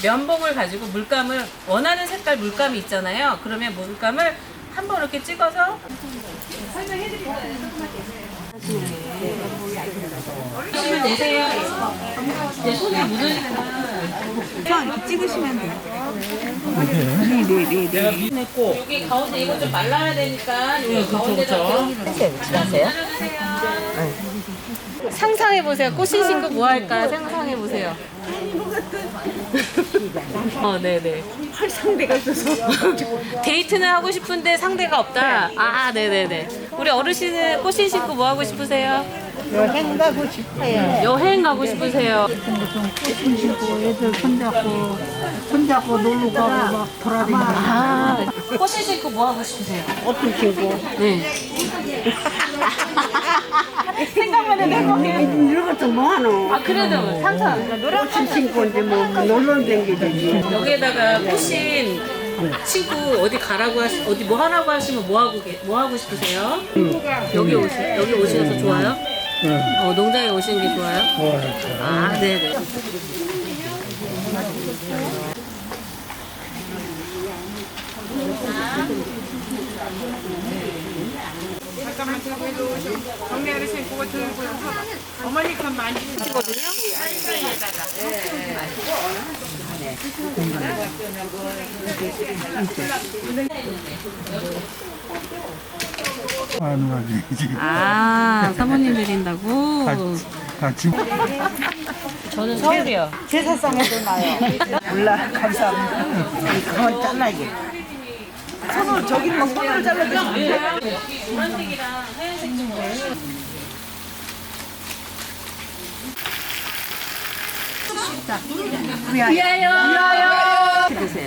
면봉을 가지고 물감을 원하는 색깔 물감이 있잖아요. 그러면 물감을 한번 이렇게 찍어서 설명해드릴게요. 보시면 되세요. 내 손에 묻으니까 이렇게 찍으시면 돼요. 네네네. 여기 가운데 이거 좀 말라야 되니까 여기 가운데다 하세요? 상상해 보세요. 꽃신 신고 뭐 할까 상상해 보세요. 네네. 할 상대가 없어서. 데이트는 하고 싶은데 상대가 없다. 아, 네네네. 우리 어르신은 꽃신 신고 뭐 하고 싶으세요? 여행 가고 싶어요. 여행 가고 싶으세요? 꽃신 신고 애들 손잡고 놀러 가고 막 돌아다니고. 아, 꽃신 신고 뭐 하고 싶으세요? 어떤 신고? 네. 생각만 해도 행복해. 이런 것도 뭐하노? 아, 그래도 상상. 꽃신 신고 이제 뭐 놀러 다니지. 여기에다가 꽃신 신고 어디 가라고 어디 뭐 하라고 하시면 뭐 하고 싶으세요? 여기 오셔서 좋아요? 농장에 오시는 게 좋아요? 아, 네네. 잠깐만 들고 해도 동네 어르신 그거 들고 어머니 건 많이 주거든요. 하는 거지. 아, 사모님 드린다고? 같이. 저는 서울이요. 제사상에도 나요. 몰라, 감사합니다. 그건 잘라야지. 손으로 저기는 막 손으로 잘라주시면 노란색이랑 하얀색 좀 보여요. 위하여 드세요.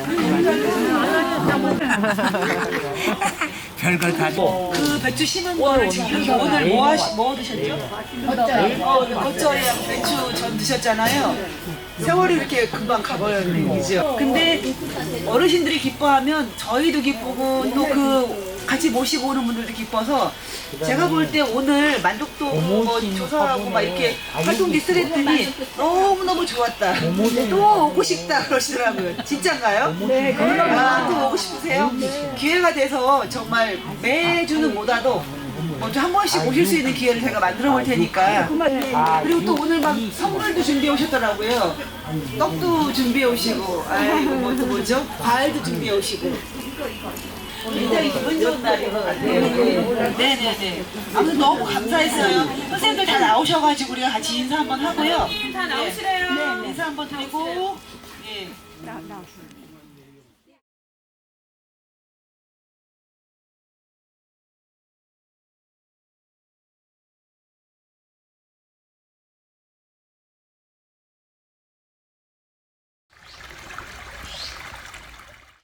별걸 다 줘. 그 배추 심은 거를 지금 오늘 뭐 드셨죠? 겉절이랑 배추 전 드셨잖아요. 세월이 이렇게 금방 가버렸네, 그죠? 근데 어르신들이 기뻐하면 저희도 기쁘고 또 그 같이 모시고 오는 분들도 기뻐서 제가 볼 때 오늘 만족도 뭐 조사하고 막 이렇게 활동 리스트 했더니 너무너무 좋았다. 또 오고 싶다 그러시더라고요. 진짠가요? 네, 아, 또 오고 싶으세요? 기회가 돼서 정말 매주는 못와도 먼저 한 번씩 오실 수 있는 기회를 제가 만들어 볼 테니까. 그리고 또 오늘 막 선물도 준비해 오셨더라고요. 떡도 준비해 오시고, 아이고, 뭐죠? 과일도 준비해 오시고. 굉장히 기분 좋은 날인 것 같아요. 네네네. 아무튼 너무 감사했어요. 선생님들 다 나오셔가지고 우리가 같이 인사 한번 하고요. 다 나오시래요. 네, 인사 한번 드리고. 네.